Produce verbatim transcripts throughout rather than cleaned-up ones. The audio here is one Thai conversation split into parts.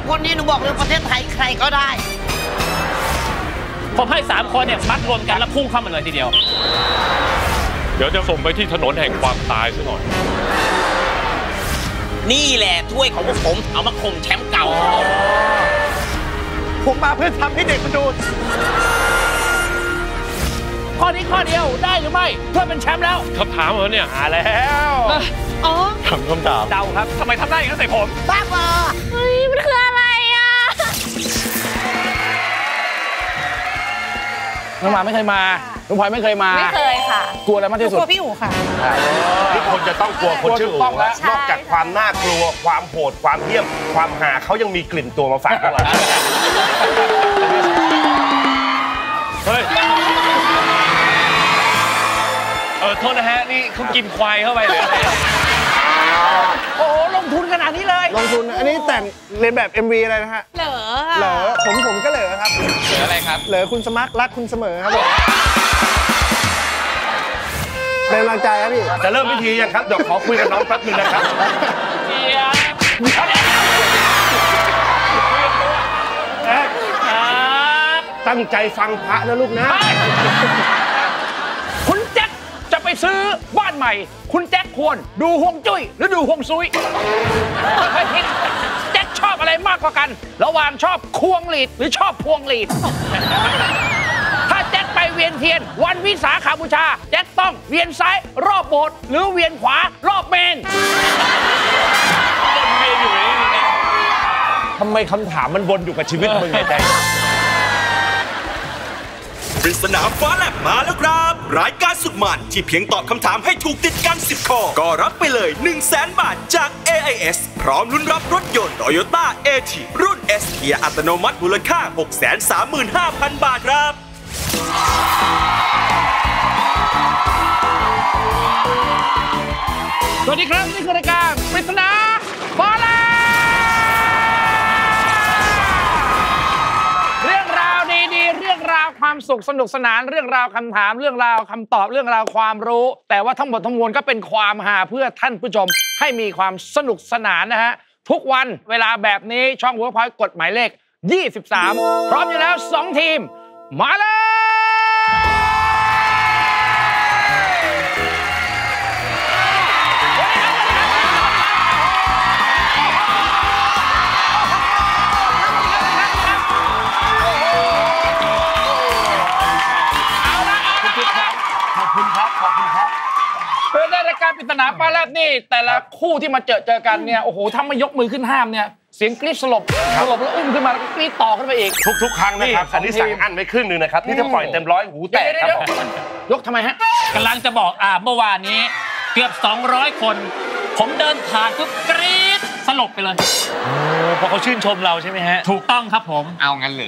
คนนี้หนูบอกเลยประเทศไทยใครก็ได้ผมให้สามคนเนี่ยมัดรวมกันแล้วพุ่งเข้ามาเลยทีเดียวเดี๋ยวจะส่งไปที่ถนนแห่งความตายซะหน่อยนี่แหละถ้วยของพวกผมเอามาข่มแชมป์เก่าผมมาเพื่อทำให้เด็กมันดูข้อนี้ข้อเดียวได้หรือไม่เพื่อเป็นแชมป์แล้วคำถามเหรอเนี่ยมาแล้วอ๋อคำคำถามเดาครับทำไมทำได้อย่างนั้นใส่ผมบ้าบอเฮ้ยมันคืออะไรอ่ะน้องหมาไม่เคยมาน้องพลอยไม่เคยมาไม่เคยค่ะกลัวอะไรมากที่สุดกลัวพี่อู๋ค่ะทุกคนจะต้องกลัวคนชื่ออู๋นอกจากความน่ากลัวความโหดความเหี้ยมความหาเขายังมีกลิ่นตัวมาฝากพวกเราเฮ้ยเออโทษนะฮะนี่เขากินควายเข้าไปหรืออะไรโอ้ลงทุนขนาดนี้เลยลงทุนอันนี้แต่งเรียนแบบ เอ็ม วี อะไรนะฮะเหลอเหลอผมผมก็เหลอครับเหลออะไรครับเหลอคุณสมัครรักคุณเสมอครับเป็นกำลังใจครับพี่จะเริ่มพิธียังครับเดี๋ยวขอคุยกับน้องแป๊บนึงนะครับเจียบตั้งใจฟังพระนะลูกนะคุณแจ็คจะไปซื้อบ้านใหม่คุณแจ็คควรดูฮวงจุ้ยหรือดูฮวงซุยค่อยๆคิดแจ็คชอบอะไรมากกว่ากันระหว่างชอบควงหลีดหรือชอบพวงหลีดถ้าแจ็คไปเวียนเทียนวันวิสาขบูชาแจ็คต้องเวียนซ้ายรอบโบสถ์หรือเวียนขวารอบเมนทำไมคำถามมันวนอยู่กับชีวิตมึงไงใจปริศนาฟ้าแลบมาแล้วครับรายการสุดมันที่เพียงตอบคำถามให้ถูกติดกันสิบข้อก็รับไปเลย หนึ่งแสน บาทจาก เอ ไอ เอส พร้อมลุ้นรับรถยนต์ Toyota เอ ที รุ่น S เกียร์อัตโนมัติมูลค่า หกแสนสามหมื่นห้าพัน บาทครับสวัสดีครับนี่คือรายการปริศนาฟ้าแลบเรื่องราวดีๆเรื่องราวความสุขสนุกสนานเรื่องราวคำถามเรื่องราวคำตอบเรื่องราวความรู้แต่ว่าทั้งหมดทั้งมวลก็เป็นความฮาเพื่อท่านผู้ชมให้มีความสนุกสนานนะฮะทุกวันเวลาแบบนี้ช่องเวิร์คพอยต์กฎหมายเลขยี่สิบสามพร้อมอยู่แล้วสองทีมมาเลยเป็นรายการปริศนาฟ้าแลบนี่แต่ละคู่ที่มาเจอเจอกันเนี่ยโอ้โหถ้าไม่ยกมือขึ้นห้ามเนี่ยเสียงกรี๊ดสลบสลบแล้วอุ้มขึ้นมาแล้วก็กรี๊ดต่อขึ้นไปอีกทุกๆครั้งนะครับอันนี้สั่งอั้นไว้ครึ่งนึงนะครับนี่ถ้าปล่อยเต็มร้อยหูแตกครับยกทำไมฮะกำลังจะบอกอ่าเมื่อวานนี้เกือบสองร้อยคนผมเดินผ่านก็กรี๊ดสลบไปเลยโอ้เพราะเขาชื่นชมเราใช่ไหมฮะถูกต้องครับผมเอางั้นเลย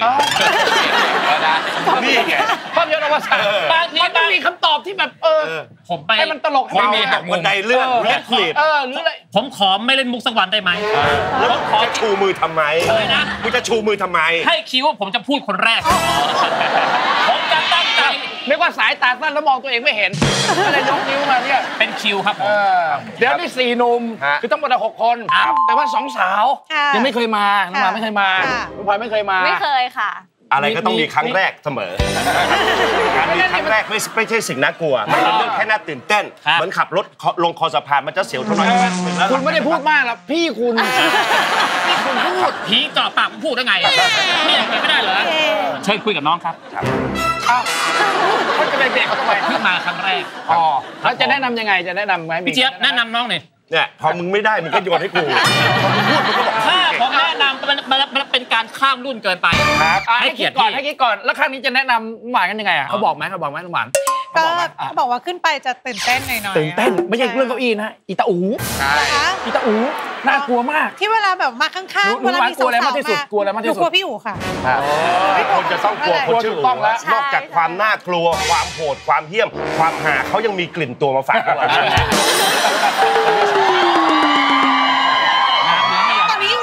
นี่ไงภาพยนตร์อวสานบางทีมันต้องมีคำตอบที่แบบเออผมไปให้มันตลกไม่มีหักบันไดเลื่อนเล่นคลิปเออหรืออะไรผมขอไม่เล่นมุกสักวันได้ไหมแล้วขอชูมือทำไมเลยนะมึงจะชูมือทำไมให้คิดว่าผมจะพูดคนแรกผมจะตั้งใจไม่ว่าสายตาสั้นแล้วมองตัวเองไม่เห็นก็เลยยกนิ้วมาเนี่ยเป็นคิวครับผมเดี๋ยวนี่สี่หนุ่มคือทั้งหมดหกคนแต่ว่าสองสาวยังไม่เคยมาน้องมาไม่เคยมาน้องพลอยไม่เคยมาไม่เคยค่ะอะไรก็ต้องมีครั้งแรกเสมอการมีครั้งแรกไม่ไม่ใช่สิ่งน่ากลัวมันเป็นเรื่องแค่น่าตื่นเต้นเหมือนขับรถลงคอสะพานมันจะเสียวเท่านั้นคุณไม่ได้พูดมากหรอกพี่คุณพี่คุณพูดผีเจาะปากผมพูดได้ไงพี่ยังไม่ได้เหรอเชิญคุยกับน้องครับอ้าวเขาจะไปเบรกเขาทำไมเพิ่งมาครั้งแรกอ๋อแล้วจะแนะนำยังไงจะแนะนำไหมพี่เจี๊ยบแนะนำน้องหน่อยเนี่ยพอมึงไม่ได้มึงก็โยนให้กูพอมึงพูดมึงก็บอกถ้าผมแนะนำมันมันเป็นการข้ามรุ่นเกินไปครับให้คิดก่อนให้คิดก่อนแล้วครั้งนี้จะแนะนำหวานกันยังไงอ่ะเขาบอกไหมเขาบอกไหมหวานก็เขาบอกว่าขึ้นไปจะตื่นเต้นหน่อยๆตื่นเต้นไม่ใช่เรื่องเก้าอี้นะอีตาอูใช่อีตาอูน่ากลัวมากที่เวลาแบบมาข้างๆเวลามีสาวๆมากที่สุดกลัวอะไรมากที่สุดกลัวพี่อู๋ค่ะคนจะต้องกลัวคนชื่ออู๋นอกจากความน่ากลัวความโหดความเหี้ยมความหาเขายังมีกลิ่นตัวมาฝากพวกเราตอนนี้อยู่ไหนคะ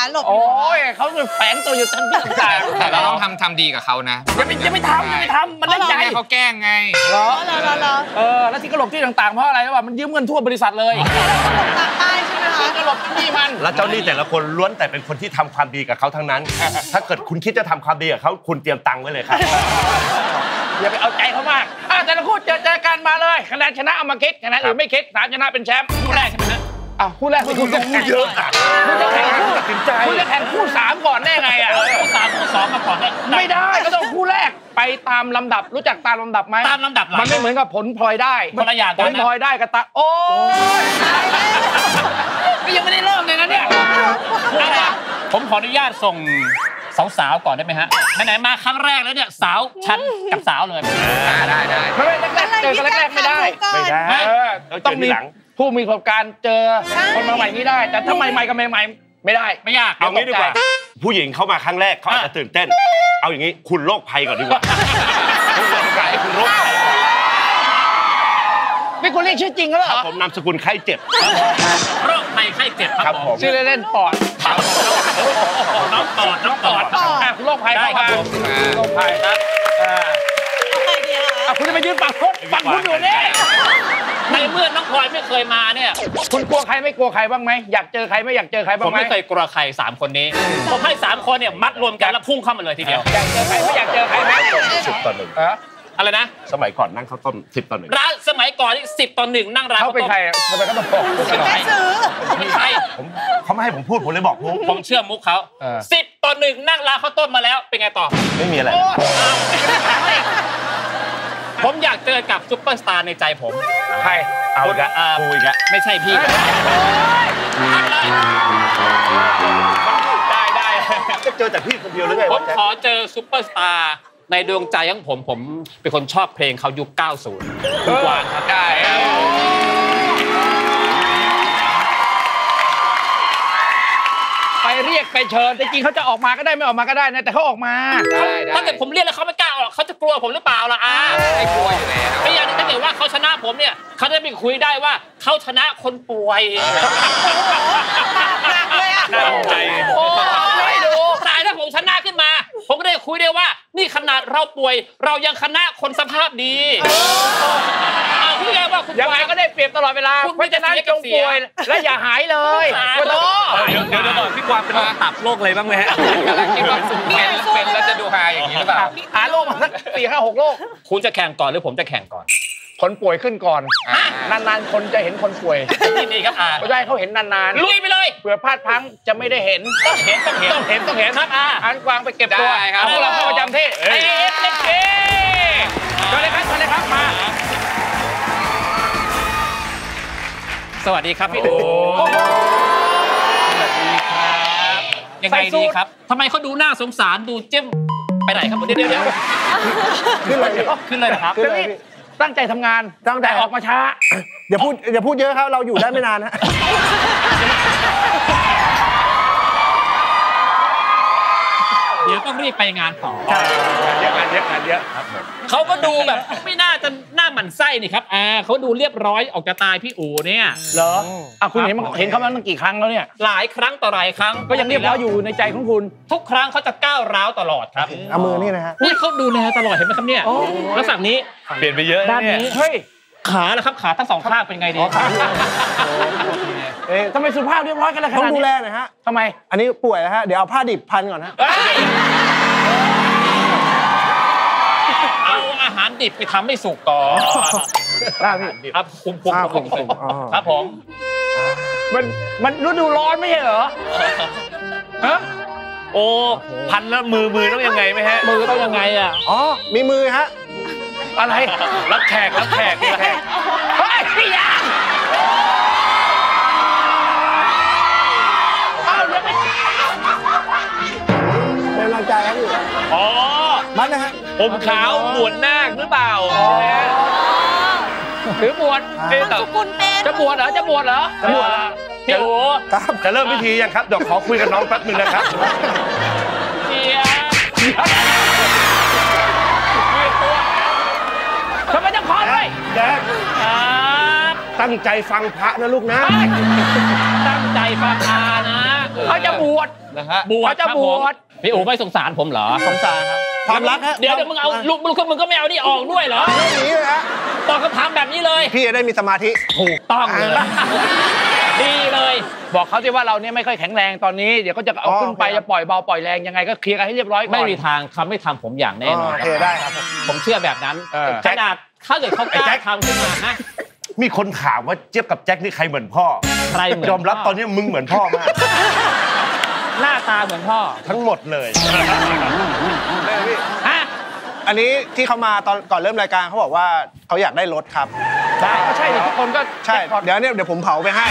หลบโอ้ยเขาจะแฝงตัวอยู่ทั้งที่ต่างแต่เราต้องทำทำดีกับเขานะอย่าไปอย่าไปทำอย่าไปทำมันได้ใจเขาแกล้งไงเหรอเหรอเหรอเหรอเออแล้วที่กระหลบที่ต่างๆเพราะอะไรรู้ป่ะมันยืมเงินทั่วบริษัทเลยหลบตามป้ายใช่ไหมคะกระหลบที่มันแล้วเจ้าหนี้แต่ละคนล้วนแต่เป็นคนที่ทำความดีกับเขาทั้งนั้น ถ้าเกิดคุณคิดจะทำความดีกับเขาคุณเตรียมตังค์ไว้เลยครับอย่าไปเอาใจเขามากอ่ะแต่ละคู่เจอเจอกันมาเลยคะแนนชนะเอามาคิดคะแนนอื่นไม่คิดสามชนะเป็นแชมป์คู่แรกใช่ไหมฮะอ่ะคู่แรกคุณจะเยอะอ่ะคุณจะแข่งคู่ตัดสินใจคุณจะแข่งคู่สามก่อนได้ไงอ่ะคู่สามคู่สองมาก่อนเนี่ยไม่ได้ก็ต้องคู่แรกไปตามลำดับรู้จักตามลำดับไหมตามลำดับหลังมันไม่เหมือนกับผลพลอยได้คนละอย่างผกันลนะพลอยได้กับตาโอ้ยก็ยังไม่ได้เริ่มเลยนะเนี่ยผมขออนุญาตส่งสาวๆก่อนได้ไหมฮะไหนๆมาครั้งแรกแล้วเนี่ยสาวฉันกับสาวเลยได้ได้ไม่ได้แรกๆเจอกันแรกๆไม่ได้ไม่ได้เออต้องเจอต้องมีทีหลังผู้มีประสบการณ์เจอคนมาใหม่นี้ได้ แต่ถ้าใหม่ๆกับใหม่ๆไม่ได้ไม่ยากเอางี้ดีกว่า ผู้หญิงเข้ามาครั้งแรกเขาอาจจะตื่นเต้น เอาอย่างนี้คุณโรคภัยก่อนดีกว่าคุณโรคภัยคุณโรคภัยนี่คุณเรียกชื่อจริงแล้วเหรอผมนามสกุลไข้เจ็บโรคภัยไข้เจ็บคครัรับบ ผผม มชื่อเล่นๆปอดน้องปอดน้องปอดอ่ะคุณโรคภัยได้ครับผมโรคภัยครับอ่าใครดีอะคะอ่ะคุณจะไปยืนฝั่งคุณฝั่งคุณอยู่นี่ในเมื่อน้องพลอยไม่เคยมาเนี่ยคุณกลัวใครไม่กลัวใครบ้างไหมอยากเจอใครไม่อยากเจอใครผบ้างมไหมไม่เคยกลัวใครสามคนนี้ ผมให้สามคนเนี่ยมัดรวมกันแล้วพุ่งเข้ามาเลยทีเดียวอยากเจอใครไม่อยากเจอใครไหมสิบต่อหนึ่งเอออะไรนะสมัยก่อนนั่งข้าวต้มสิบต่อหนึ่งร้านสมัยก่อนนี่สิบต่อหนึ่งนั่งร้านเขาเป็นใครอ่ะทำไมเขาต้องบอกแม่ซื้อเขาเป็นใครผมเขาไม่ให้ผมพูดผมเลยบอกมุกผมเชื่อมุกเขาสิบต่อหนึ่งนั่งร้านข้าวต้มมาแล้วเป็นไงต่อไม่มีอะไรผมอยากเจอกับซุปเปอร์สตาร์ในใจผมใครเอาอีกแล้วกูอีกแล้วไม่ใช่พี่ ได้ได้จะเจอแต่พี่คนเดียวหรือไงผวะมแจ๊คขอเจอซุปเปอร์สตาร์ในดวงใจของผมผมเป็นคนชอบเพลงเขายุค เก้าสิบ คุณกวางครับได้ครับไปเรียกไปเชิญแต่จริงเขาจะออกมาก็ได้ไม่ออกมาก็ได้นะแต่เขาออกมาได้ได้ถ้าเกิดผมเรียกแล้วเขาไม่กล้าออกเขาจะกลัวผมหรือเปล่าล่ะอาไม่กลัวอยู่แล้วไม่อย่างนี้ถ้าเกิดว่าเขาชนะผมเนี่ยเขาจะไปคุยได้ว่าเขาชนะคนป่วยหนักเลยอะน่าใจโอ้ยดูตายถ้าผมชนะขึ้นมา ผมก็ได้คุยได้ว่า นี่ขนาดเราป่วย เรายังชนะคนสภาพดีเอาพี่แกว่าคุณยังไงก็ได้เปรียบตลอดเวลาคุณเพราะฉะนั้นไม่จจะงเสียป่วยและอย่าหายเลยหายโอ้โหเดี๋ยวเดี๋ยวก่อนพี่กวางเป็นโรคตับโรคอะไรบ้างไหมฮะกำลังคิดว่าเป็นเป็นแล้วจะดูฮาอย่างนี้หรือเปล่าหาโรคมาสักสี่ห้าหกโรคคุณจะแข่งก่อนหรือผมจะแข่งก่อนคนป่วยขึ้นก่อนอ่านานๆคนจะเห็นคนป่วยนี่นี่ครับอาไม่ได้เขาเห็นนานลุยไปเลยๆเผื่อพลาดพลั้งจะไม่ได้เห็นต้องเห็นต้องเห็นต้องเห็นต้องเห็นครับอาอันกวางไปเก็บตัวได้ครับเอาพวกเราเข้าประจำที่เอฟเล็กเอเชิญเลยครับเชิญเลยครับมาสวัสดีครับพี่อู๋สวัสดีครับยังไงดีครับทำไมเขาดูน่าสงสารดูเจ้มไปไหนครับผมเดี๋ยวเดี๋ยวเดี๋ยวขึ้นเลยขึ้นเลยเหรอครับคือนี่ตั้งใจทำงานแต่ออกมาช้าอย่าพูดอย่าพูดเยอะครับ เราอยู่ได้ไม่นานฮะเดี๋ยวต้องรีบไปงานต่อเยอะงานเยอะงานเยอะเขาก็ดูแบบไม่น่าจะหน้าหมั่นไส้นี่ครับอ่าเขาดูเรียบร้อยออกจะตายพี่อู๋เนี่ยเหรออ่ะคุณเห็นมันเห็นเขามาตั้งกี่ครั้งแล้วเนี่ยหลายครั้งต่อหลายครั้งก็ยังเรียบร้อยอยู่ในใจของคุณทุกครั้งเขาจะก้าวร้าวตลอดครับเอามือนี่นะฮะนี่เขาดูแลตลอดเห็นไหมครับเนี่ยลักษณะนี้เปลี่ยนไปเยอะด้านะนเนี่ยนี้เฮ้ยขาแล้วครับขาทั้งสองข้างเป็นไงดีเอ๊ะทำไมสุภาพเรียบร้อยกันเลยขต้องนาดดูนี้แลหน่อยฮะทำไมอันนี้ป่วยนะฮะ เดี๋ยวเอาผ้าดิบพันก่อนฮะเอ้ยเอาอาหารดิบไปทำให้สุกก่อนได้พี่ครับคุมคุมอ่าคุมคุคุมมอ๋อครับผมมันมันฤดูร้อนไม่ใช่เหรอฮะโอ้พันแล้วมือมือต้องยังไงไหมฮะมือต้องยังไงอ่ะอ๋อ มีมือฮะอะไรรับแขกรับแขกรับแขกเฮ้ยพี่ยางเอาเดี๋ยวไปเป็นกำลังใจครับพี่อ๋อมันนะฮะผมขาวบวชนาคหรือเปล่าถือบวชเอ๊ะแต่สุกุลเป็นจะบวชเหรอจะบวชเหรอจะบวชพี่โอ๋ครับจะเริ่มพิธียังครับ เดี๋ยวขอคุยกับน้องแป๊บนึงนะครับเจียบทำไมต้องขอด้วยแจ๊คครับตั้งใจฟังพระนะลูกนะตั้งใจฟังอานะ เอเขาจะบวชนะฮะบวชเขาจะครับบผวมชพี่อู๋ไม่สงสารผมเหรอสงสารครับ ความรักฮะเดี๋ยวเดี๋ยวมึงเอาลูกมึงมึงก็ไม่เอานี่ออกด้วยเหรออย่างนี้เลยฮะตอบคำถามแบบนี้เลยพี่จะได้มีสมาธิถูกต้องเลยดีเลยบอกเขาสิว่าเราเนี่ยไม่ค่อยแข็งแรงตอนนี้เดี๋ยวก็จะเอาขึ้นไปจะปล่อยเบาปล่อยแรงยังไงก็เคลียร์กันให้เรียบร้อยก่อนไม่มีทางเขาไม่ทำผมอย่างแน่นอนโอเคได้ครับผมเชื่อแบบนั้นเออขนาดถ้าเกิดเขากล้าทำขึ้นมานะมีคนถามว่าเจี๊ยบกับแจ็คนี่ใครเหมือนพ่อใครเหมือนยอมรับตอนนี้มึงเหมือนพ่อมากหน้าตาเหมือนพ่อทั้งหมดเลยฮะอันนี้ที่เขามาตอนก่อนเริ่มรายการเขาบอกว่าเขาอยากได้รถครับได้ก็ใช่ดิทุกคนก็ใช่ เดี๋ยวเนี่ยเดี๋ยวผมเผาไปให้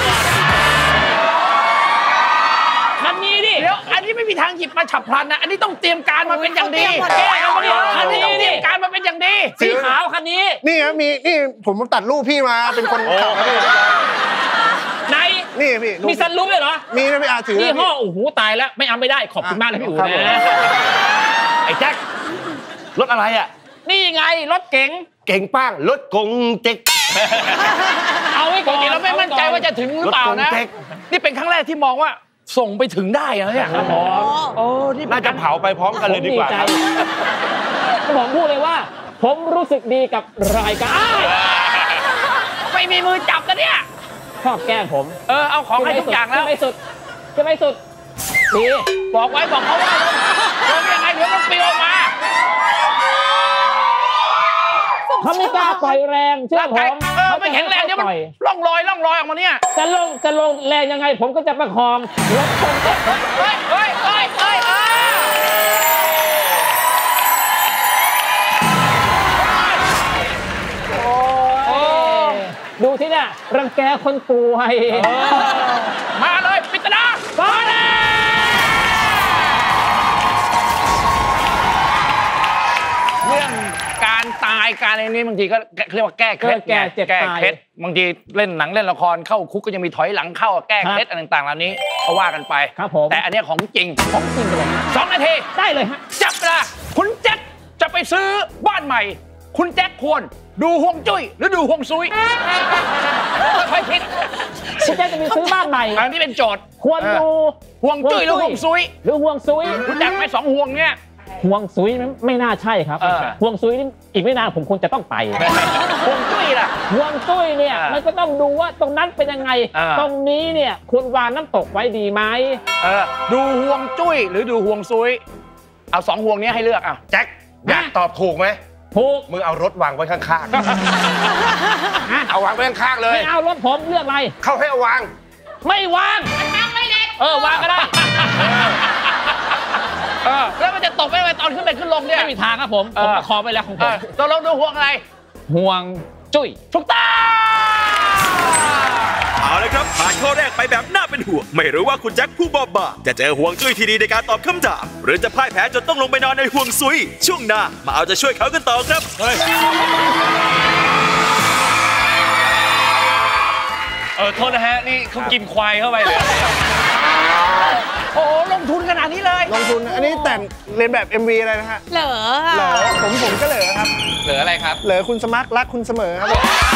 คันนี้ดิเดี๋ยวอันนี้ไม่มีทางหยิบมาฉับพลันนะอันนี้ต้องเตรียมการมาเป็นอย่างดีเขาเตรียมมาแก้กันมาดิอันนี้ต้องเตรียมการมาเป็นอย่างดีสีขาวคันนี้นี่ครับมีนี่ผมตัดรูปพี่มาเป็นคนขับให้ไหนนี่พี่รูปมีซันรูปเลยเหรอมีนะพี่อาถือยี่นะห้พี่อโอ้โหตายแล้วไม่เอาไม่ได้ขอบคุณมากเลยพี่อู๋ครับนะไอ้แจ็ครถอะไรอ่ะนี่ไงรถเก๋งเก่งป้างรถกงเจ๊กเอาไว้ปก่อก นติเราไม่มั่นใจว่าจะถึงหรือเปล่านะรถกงเต็กนี่เป็นครั้งแรกที่มองว่าส่งไปถึงได้นะเนี่ยโอ้นี่น่าจะเผาไปพร้อมกันเลยดีกว่าผมครับใจผมพูดเลยว่า ผมรู้สึกดีกับรายการอ้ายไม่มีมือจับกันเนี่ยชอบแกล้งผมเออเอาของให้ทุกอย่างแล้วจะไม่สุดจะไม่สุดดีบอกไว้บอกเขาว่าลงยังไงเดี๋ยวมันปลิวออกมาเขาไม่กล้าปล่อยแรงเชื่อร่างผกายมเออไม่แข็งแรงเดี๋ยวมันปล่อยล่องลอยล่องลอยออกมาเนี่ยจะลงจะลงแรงยังไง ผมก็จะประคองรถชนเต็มเฮ้ยเฮ้ยเฮ้ยเฮ้ยเฮ้ยโอ้ดูที่เนี่ยรังแกคนป่วยมาเลยปิตนามาเลยเรื่องการตายการอะไรนี้บางทีก็เรียกว่าแก้เคล็ดแก้เจ็บแก้ตายเคล็ดบางทีเล่นหนังเล่นละครเข้าคุกก็ยังมีถอยหลังเข้าแก้เคล็ดอะไรต่างๆเหล่านี้เขาว่ากันไปครับผมแต่อันเนี้ยของจริงของจริงเลยสองนาทีได้เลยฮะจับเวลาคุณแจ็คจะไปซื้อบ้านใหม่ คุณแจ็คควรดูห่วงจุ้ยหรือดูห่วงซุยค่อยๆคิดคุณแจ๊คจะไปซื้อบ้านใหม่อันนี้เป็นโจทย์ควรดูห่วงจุ้ยหรือห่วงซุยหรือห่วงซุยรู้จักไหมสองห่วงเนี่ยห่วงซุยไม่ไม่น่าใช่ครับเออห่วงซุยนี่อีกไม่นานผมคงจะต้องไปห่วงจุ้ยล่ะห่วงซุยเนี่ยเออมันก็ต้องดูว่าตรงนั้นเป็นยังไงเออตรงนี้เนี่ยคุณวางน้ำตกไว้ดีไหมเออดูห่วงจุ้ยหรือดูห่วงซุยเอาสองห่วงนี้ให้เลือกอ่ะแจ็คอยากตอบถูกไหมถูกมึงเอารถวางไว้ข้างๆ เอาวางไว้ข้างๆเลยไม่เอารถผมเลือกอะไรเข้าให้เอาวางไม่วางเออวางก็ได้เออแล้วมันจะตกไปไหมตอนขึ้นไปขึ้นลงเนี่ยไม่มีทางครับผมเอผมอประคองไปแล้วของผเอมอตกลงดูห่วงอะไรห่วงจุ้ยถูกต้องเอาละครับผ่านข้อแรกไปแบบน่าเป็นห่วง ไม่รู้ว่าคุณแจ็คผู้บอบบางจะเจอห่วงจุ้ยที่ดีในการตอบคำถาม หรือจะพ่ายแพ้จนต้องลงไปนอนในห่วงซุย ช่วงหน้ามาเอาใจช่วยเขากันต่อครับเออโทษนะฮะ นี่เขากินควายเข้าไปเลยโอ้โหลงทุนขนาดนี้เลยลงทุนอันนี้แต่งเรียนแบบ เอ็ม วี อะไรนะฮะเหลอเหลอค่ะผมผมก็เหลอครับเหลืออะไรครับเหลอคุณสมัครรักคุณเสมอครับ